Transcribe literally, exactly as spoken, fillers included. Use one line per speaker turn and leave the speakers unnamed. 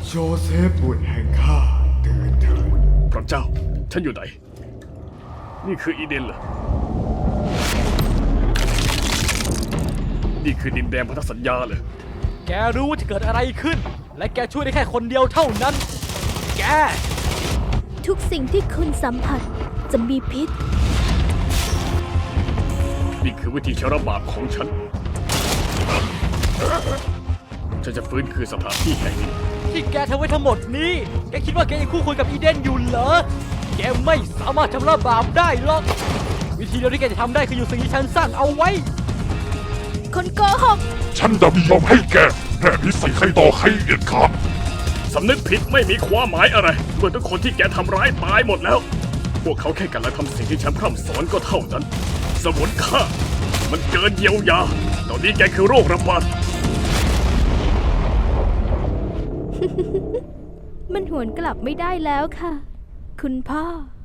โจเซฟบุตรแห่งข้าตื่นเถิด
พระเจ้าฉันอยู่ไหนนี่คืออีเดนเหรอนี่คือดินแดนพันธสัญญาเหรอ
แกรู้ว่าจะเกิดอะไรขึ้นและแกช่วยได้แค่คนเดียวเท่านั้นแก
ทุกสิ่งที่คุณสัมผัสจะมีพิษ
นี่คือวิธีชระบาปของฉันฉันจะฟื้นคืนสถานที่แห่งนี้
ที่แกทำไว้ทั้งหมดนี้แกคิดว่าแกยังคู่ควรกับอีเดนอยู่เหรอแกไม่สามารถชำระบาปได้หรอกวิธีเดียวที่แกจะทำได้คืออยู่สิ่งที่ฉันสร้างเอาไว้
คนโกหก
ฉันจะไม่ยอมให้แกแพร่พิษใส่ใครต่อใครเด็ดขาด
สำนึกผิดไม่มีความหมายอะไรเมื่อทุกคนที่แกทำร้ายตายหมดแล้วพวกเขาแค่กันและทำสิ่งที่ฉันพร่ำสอนก็เท่านั้นสมุนค่ามันเกินเยียวยาตอนนี้แกคือโรคระบาด
มันหวนกลับไม่ได้แล้วค่ะคุณพ่อ